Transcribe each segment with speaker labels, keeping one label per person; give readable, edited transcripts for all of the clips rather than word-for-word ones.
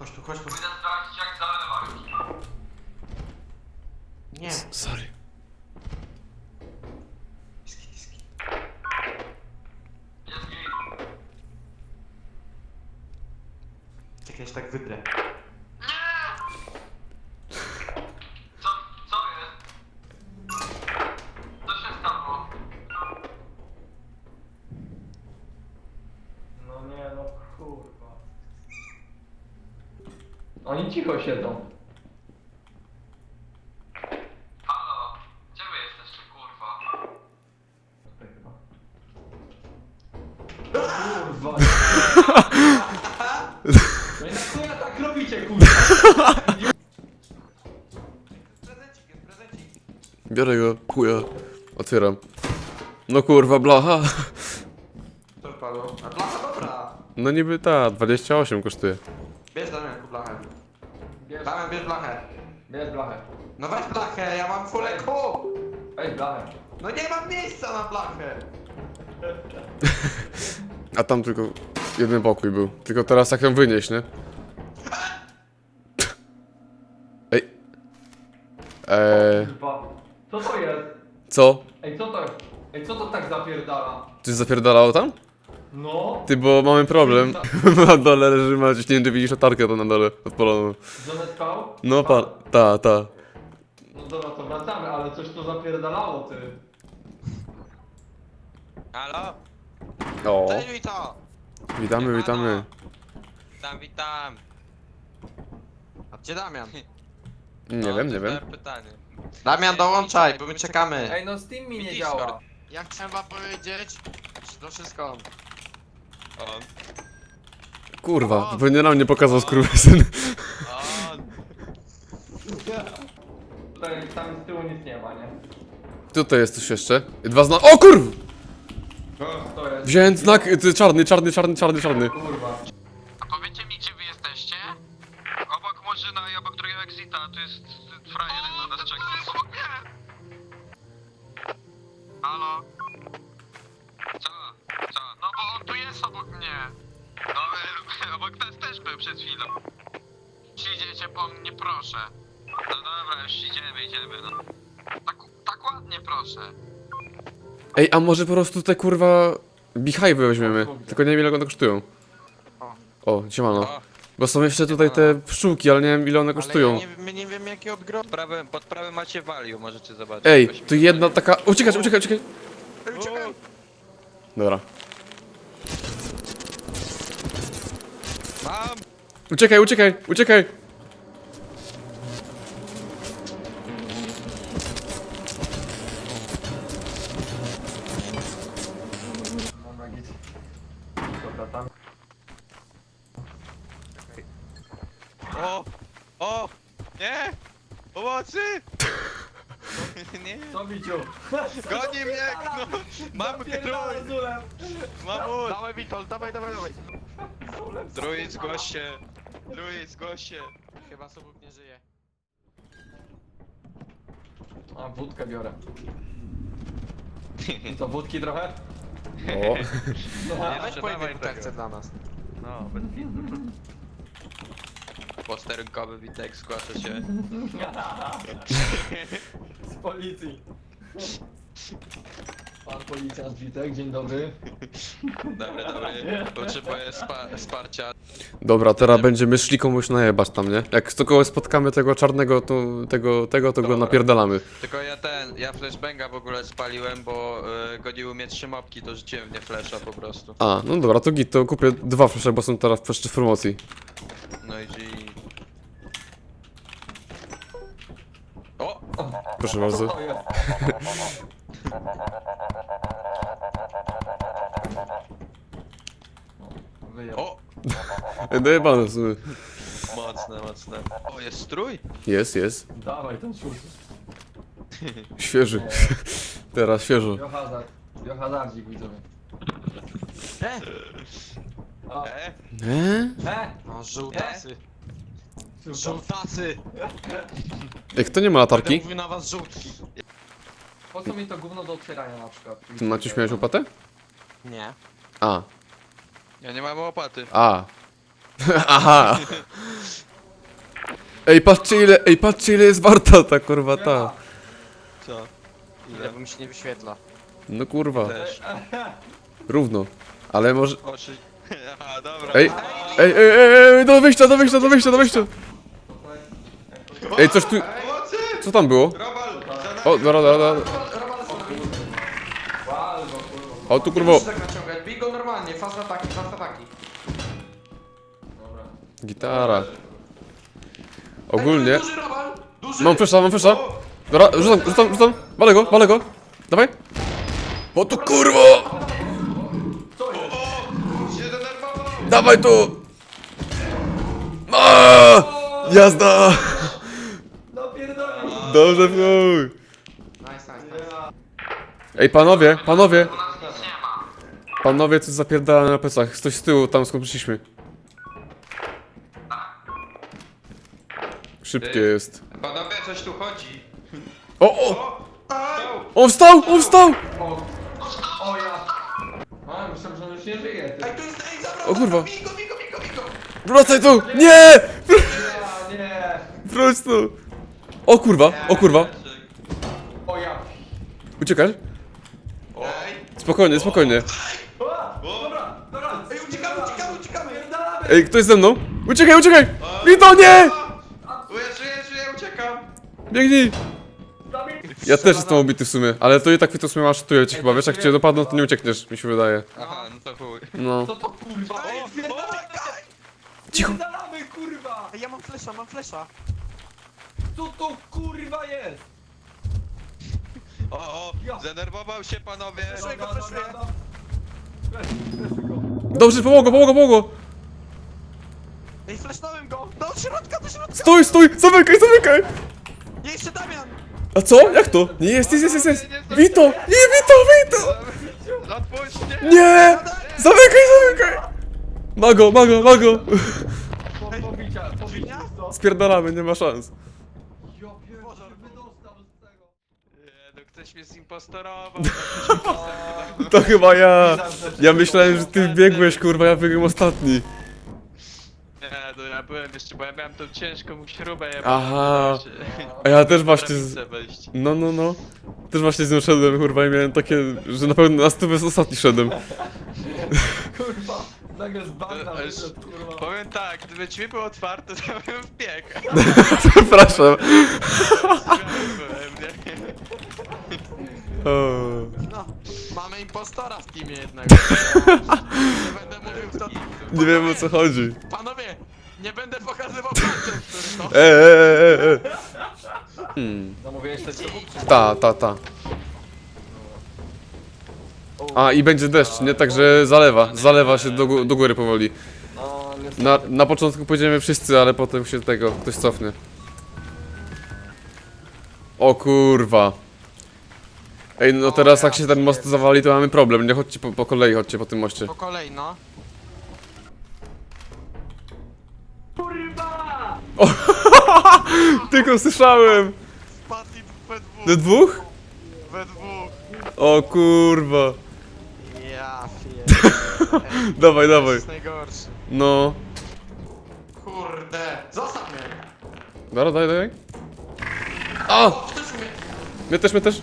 Speaker 1: Chodź tu, chodź tu.
Speaker 2: Pójdę sprawdzić jak zalewać.
Speaker 1: Nie.
Speaker 3: Sorry.
Speaker 1: Diski, diski.
Speaker 2: Jest git.
Speaker 1: Czekaj, ja się tak wybrę.
Speaker 2: Co jest? Co się stało?
Speaker 4: No nie, no kurwa. Oni cicho siedzą.
Speaker 2: Halo? Gdzie wy jesteście, kurwa?
Speaker 4: Tutaj chyba. Kurwa. No i na chuja tak robicie, kurwa.
Speaker 1: Prezencik jest, prezencik.
Speaker 3: Biorę go, chuja. Otwieram. No kurwa, blacha.
Speaker 1: To wypadło. A blacha dobra.
Speaker 3: No niby ta, 28 kosztuje.
Speaker 1: Bierz Damianku blachę.
Speaker 4: Bierz,
Speaker 1: Damian, bierz blachę.
Speaker 4: bierz blachę.
Speaker 1: No weź blachę, ja mam full EQ.
Speaker 4: Weź blachę.
Speaker 1: No nie mam miejsca na blachę.
Speaker 3: A tam tylko jeden pokój był. Tylko teraz jak ją wynieść, nie? Ej.
Speaker 4: Kurwa. Co to jest?
Speaker 3: Co?
Speaker 4: Ej, co to jest? Ej, co to tak zapierdala?
Speaker 3: Czy zapierdalało tam?
Speaker 4: No.
Speaker 3: Ty, bo mamy problem. Na dole leży Maciuś, nie wiem, czy widzisz latarkę to na dole odpaloną.
Speaker 4: Żonę spał?
Speaker 3: No
Speaker 4: Spał.
Speaker 3: ta.
Speaker 4: No dobra, to wracamy, ale coś to zapierdalało, ty.
Speaker 5: Halo?
Speaker 3: O,
Speaker 5: Cześć, Wito!
Speaker 3: witamy.
Speaker 5: Witam.
Speaker 1: A gdzie Damian?
Speaker 3: Nie
Speaker 5: No,
Speaker 3: wiem.
Speaker 5: Pytanie.
Speaker 1: Damian, dołączaj, bo my czekamy.
Speaker 4: Ej, no Steam mi nie
Speaker 5: Widzisz,
Speaker 4: działa.
Speaker 5: Lord?
Speaker 1: Ja chciałem wam powiedzieć, że to wszystko on.
Speaker 5: On.
Speaker 3: Kurwa, pewnie nam nie pokazał skurwysyn.
Speaker 5: On.
Speaker 4: Tutaj tam z tyłu nic nie ma, nie?
Speaker 3: Tutaj jest coś jeszcze. Dwa znaki. O kurw!
Speaker 4: To jest.
Speaker 3: Wziąłem znak, czarny.
Speaker 4: Kurwa.
Speaker 2: A powiecie mi, gdzie wy jesteście? Obok Murzyna i obok drugiego exita, tu jest frajer na nas czeka. Obok mnie! Halo? Co? No bo on tu jest obok mnie. No, obok nas też był przed chwilą. Przyjdziecie po mnie, proszę. No dobra, już idziemy, no. Tak ładnie, proszę.
Speaker 3: Ej, a może po prostu te kurwa Beehive'y weźmiemy. Tylko nie wiem ile one kosztują. O, siemano.
Speaker 5: O,
Speaker 3: Bo są jeszcze tutaj te pszczółki, ale nie wiem ile one kosztują.
Speaker 1: My nie wiemy jakie odgro...
Speaker 5: pod prawym macie value, możecie zobaczyć.
Speaker 3: Ej,
Speaker 5: Weźmy.
Speaker 3: tu jedna taka... Uciekać! Dobra.
Speaker 5: Mam!
Speaker 3: Uciekaj!
Speaker 4: Dobra, git. Dobra, tam.
Speaker 5: O! Nie! Pomocy! Nie!
Speaker 4: Co widział?
Speaker 5: Goni mnie! No! Mam
Speaker 4: Pierdolę
Speaker 5: druid!
Speaker 4: zulem.
Speaker 5: Mam
Speaker 1: Dawaj Witold, dawaj.
Speaker 5: Druid, zgłoś się!
Speaker 1: Chyba Sobuk nie żyje.
Speaker 4: A, wódkę biorę. I co, wódki trochę?
Speaker 3: O.
Speaker 1: Weź
Speaker 5: dawaj
Speaker 1: pojedynek
Speaker 5: tego.
Speaker 1: chce dla nas.
Speaker 5: No, bez widu. Posterunkowy Witek zgłasza się.
Speaker 4: Z policji. Pan policjant Witek, dzień dobry.
Speaker 5: Dobry. Potrzebuję wsparcia.
Speaker 3: Dobra, teraz będziemy szli komuś najebać tam, nie? Jak z kogoś spotkamy tego czarnego, to go napierdalamy.
Speaker 5: Tylko ja flashbanga w ogóle spaliłem, bo goniły mnie 3 mopki, to rzuciłem w nie flasha po prostu.
Speaker 3: A, no dobra, to git, to kupię 2 flesze, bo są teraz jeszcze w promocji.
Speaker 5: No i G. O!
Speaker 3: Proszę
Speaker 4: Co
Speaker 3: bardzo.
Speaker 4: to jest? Wyjął.
Speaker 5: O!
Speaker 3: Dojebane w sumie.
Speaker 5: Mocne. O, jest strój?
Speaker 3: Jest.
Speaker 4: Dawaj ten szut.
Speaker 3: Świeży. Teraz świeżo.
Speaker 4: Biohazardzik widzowie. A,
Speaker 1: No żółtasy. Żółtasy.
Speaker 3: Ej, kto nie ma latarki?
Speaker 1: Mówił na was żółtki.
Speaker 4: po co mi to gówno do otwierania na przykład?
Speaker 3: Ty Maciuś miałeś łopatę?
Speaker 1: Nie.
Speaker 3: A.
Speaker 5: Ja nie mam łopaty.
Speaker 3: A. Aha. Ej, patrzcie ile jest warta ta kurwa ta.
Speaker 5: Co?
Speaker 2: Ile bo mi się nie wyświetla.
Speaker 3: No kurwa,
Speaker 5: Też.
Speaker 3: równo. Ale może...
Speaker 5: Oczy... Aha, dobra.
Speaker 3: Ej, do wyjścia. Ej, coś tu...
Speaker 5: Pomocy!
Speaker 3: Co tam było?
Speaker 5: Robal!
Speaker 3: O, dobra.
Speaker 1: Robal sobie.
Speaker 4: Walgo, kurwa.
Speaker 3: O, tu
Speaker 1: Nie
Speaker 3: kurwa.
Speaker 1: musisz tak naciągać, bij go normalnie, fast ataki.
Speaker 4: Dobra.
Speaker 3: Gitara. Ogólnie...
Speaker 1: Duży Robal, duży.
Speaker 3: Mam flesza. Dobra, rzucam. Walę go. Dawaj. O tu kurwo!
Speaker 5: Się denerwował!
Speaker 3: Dawaj tu! Aaaa! Jazda!
Speaker 4: No pierdolę.
Speaker 3: Dobrze, chuj.
Speaker 1: Nice.
Speaker 3: Ej, panowie.
Speaker 2: U nas nic nie ma.
Speaker 3: Panowie, coś zapierdala na plecach. Ktoś z tyłu, tam skąd przyszliśmy. Szybkie jest.
Speaker 5: Panowie, coś tu chodzi.
Speaker 3: O!
Speaker 5: Au!
Speaker 3: On wstał!
Speaker 4: O ja. A, myślałem, że on już nie żyje, ty.
Speaker 1: Ej, tu jest, zabrał.
Speaker 3: O kurwa.
Speaker 1: Bij go.
Speaker 3: Wracaj tu! Nie!
Speaker 4: Ja, nie.
Speaker 3: Wróć tu! O kurwa!
Speaker 4: O ja.
Speaker 3: Uciekasz?
Speaker 5: Ej!
Speaker 3: Spokojnie.
Speaker 4: Dobra.
Speaker 1: Ej, uciekamy.
Speaker 4: Pierdalamy.
Speaker 3: Ej, ktoś ze mną? Uciekaj! Wito, nie!
Speaker 5: Żyję, uciekam!
Speaker 3: Biegnij! Ja też jestem ubity w sumie, ale to i tak Wito w sumie szatuje cię chyba, wiesz, jak cię dopadną, to nie uciekniesz, mi się wydaje.
Speaker 5: Aha, no to chuj.
Speaker 3: No.
Speaker 4: Co to kurwa? Ej,
Speaker 3: Cicho.
Speaker 4: Pierdalamy, kurwa.
Speaker 2: Ej, ja mam flesza.
Speaker 4: Co to kurwa jest?
Speaker 5: O, zdenerwował się panowie.
Speaker 3: Dobrze, pomogło!
Speaker 2: Ej, flesznąłem go! Do środka!
Speaker 3: Stój! Zamykaj!
Speaker 2: Nie, jeszcze Damian!
Speaker 3: A co? Jak to? Nie, jest! Wito! Nie, Wito!
Speaker 5: Odpuść mnie!
Speaker 3: Nie! Zamykaj! Mago!
Speaker 4: Pobicia co?
Speaker 3: Spierdalamy, nie ma szans.
Speaker 4: Ja pierdolę, wydostał z tego.
Speaker 5: Nie, no ktoś mnie zimpostorował.
Speaker 3: To chyba ja. Ja myślałem, że ty biegłeś, kurwa, ja biegłem ostatni.
Speaker 5: Nie, no ja byłem jeszcze, bo ja miałem tą ciężką śrubę. Ja
Speaker 3: Aha.
Speaker 5: miałem
Speaker 3: A ja też właśnie...
Speaker 5: wejść.
Speaker 3: No. Też właśnie z nią szedłem, kurwa, i miałem takie, że na pewno na 100 ostatni szedłem.
Speaker 4: Kurwa. Nagle z bagna
Speaker 5: To już-
Speaker 4: wyszedł, kurwa.
Speaker 5: Powiem tak, gdyby drzwi były otwarte, to bym wbiegł.
Speaker 3: Przepraszam.
Speaker 5: Byłem, nie?
Speaker 3: O.
Speaker 2: No, mamy impostora w teamie jednego. Nie będę mówił kto...
Speaker 3: Nie wiem o co chodzi.
Speaker 2: Panowie, nie będę pokazywał palcem, który to...
Speaker 4: Zamówiłeś coś do
Speaker 3: Ta. A i będzie deszcz, nie? Także zalewa się do góry powoli.
Speaker 4: No, niestety.
Speaker 3: Na początku pójdziemy wszyscy, ale potem się tego ktoś cofnie. O kurwa. Ej, no teraz jak się ten most zawali, to mamy problem. Nie chodźcie po kolei, chodźcie po tym moście.
Speaker 2: Po kolei, no.
Speaker 4: Kurwa!
Speaker 3: Tylko słyszałem!
Speaker 2: Wpadli we dwóch.
Speaker 3: Do dwóch?
Speaker 2: We dwóch.
Speaker 3: O kurwa.
Speaker 2: Ja pierdolę.
Speaker 3: Dawaj.
Speaker 2: To jest najgorszy.
Speaker 3: No.
Speaker 1: Kurde. Zostaw mnie.
Speaker 3: Dobra, daj. A!
Speaker 1: Wtedy
Speaker 3: Mnie też.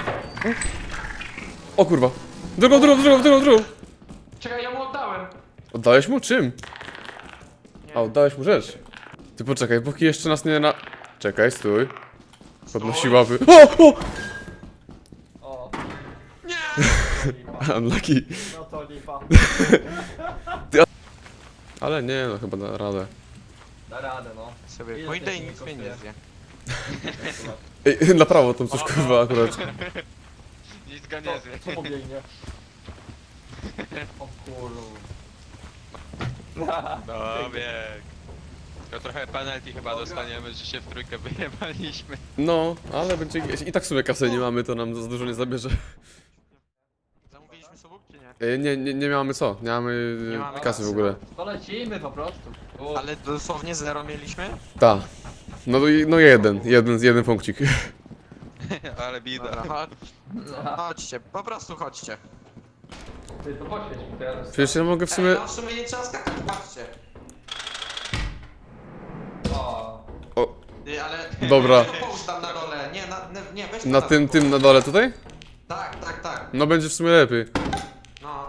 Speaker 3: O kurwa. Drugą.
Speaker 1: Czekaj, ja mu oddałem.
Speaker 3: Oddałeś mu? Czym? A, oddałeś mu rzecz. Ty poczekaj, póki jeszcze nas nie na... Czekaj, stój. Podnosi łapy. O!
Speaker 4: O.
Speaker 3: Unlucky.
Speaker 4: No to lipa.
Speaker 3: Ale nie, no chyba da radę.
Speaker 4: Da radę, no.
Speaker 2: Sobie
Speaker 4: Ile
Speaker 2: pójdę i
Speaker 4: tych
Speaker 2: nic mnie nie
Speaker 4: kosztuje?
Speaker 2: zje.
Speaker 3: Ej, na prawo tam coś kurwa akurat.
Speaker 5: Nic go nie zje.
Speaker 4: Co mu biegnie? O kurwa.
Speaker 5: No bieg. To trochę penalty chyba dostaniemy, że się w trójkę wyjebaliśmy.
Speaker 3: No, ale będzie... I tak w sumie kasy nie mamy, to nam za dużo nie zabierze.
Speaker 2: Zamówiliśmy sobuk czy nie?
Speaker 3: Nie mamy co, nie mamy
Speaker 2: Nie mamy
Speaker 3: kasy w
Speaker 2: kasy.
Speaker 3: ogóle.
Speaker 4: To lecimy po prostu.
Speaker 2: Ale dosłownie zero mieliśmy?
Speaker 3: Ta. No jeden punkcik.
Speaker 5: Ale bida.
Speaker 2: Dobra, chodźcie, po prostu chodźcie.
Speaker 4: Ty to poświeć mi teraz.
Speaker 3: Przecież ja mogę w sumie...
Speaker 1: No w sumie nie trzeba skakać, patrzcie.
Speaker 4: O.
Speaker 3: O, Dobra.
Speaker 1: Połóż tam na dole, nie, nie, weź to
Speaker 3: Na tym na dole tutaj?
Speaker 1: Tak.
Speaker 3: No będzie w sumie lepiej.
Speaker 1: No.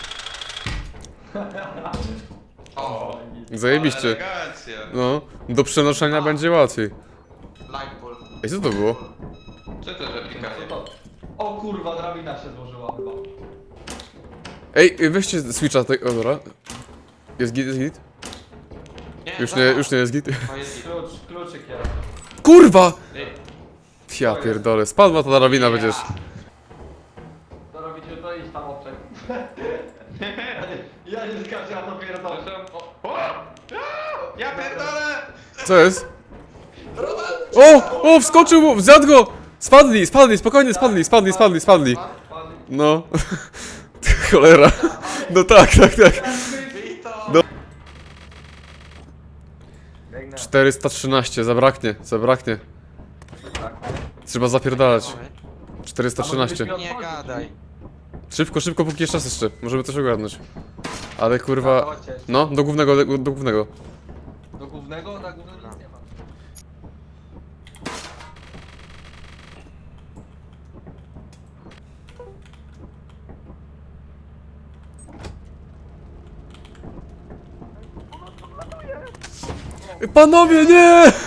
Speaker 4: O,
Speaker 3: Zajebiście.
Speaker 5: Elegancja.
Speaker 3: No, do przenoszenia będzie łatwiej.
Speaker 1: Light bulb.
Speaker 3: Ej, co to było?
Speaker 5: Co to za pikanie?
Speaker 4: co to? O kurwa, drabina się złożyła chyba.
Speaker 3: Ej, weźcie switcha tej... O, dobra. Jest git, jest git? Już nie jest git.
Speaker 1: O, jest git.
Speaker 4: Kluczyk jest.
Speaker 3: Kurwa! Ja pierdolę, spadła ta drabina przecież.
Speaker 4: To robicie to iść tam obczek. Ja nie skaczę, ja to pierdolę.
Speaker 5: Ja pierdolę!
Speaker 3: Co jest? O, wskoczył mu, zjadł go! Spadli, spokojnie, spadli. No. Cholera. No tak.
Speaker 1: Wyjść to.
Speaker 3: No. 413, zabraknie. Trzeba zapierdalać. 413.
Speaker 5: Nie gadaj.
Speaker 3: Szybko, póki jest czas jeszcze. Możemy coś ogarnąć. Ale kurwa... No, do głównego.
Speaker 4: Do głównego? Na głównego nic nie ma.
Speaker 3: Panowie, nie!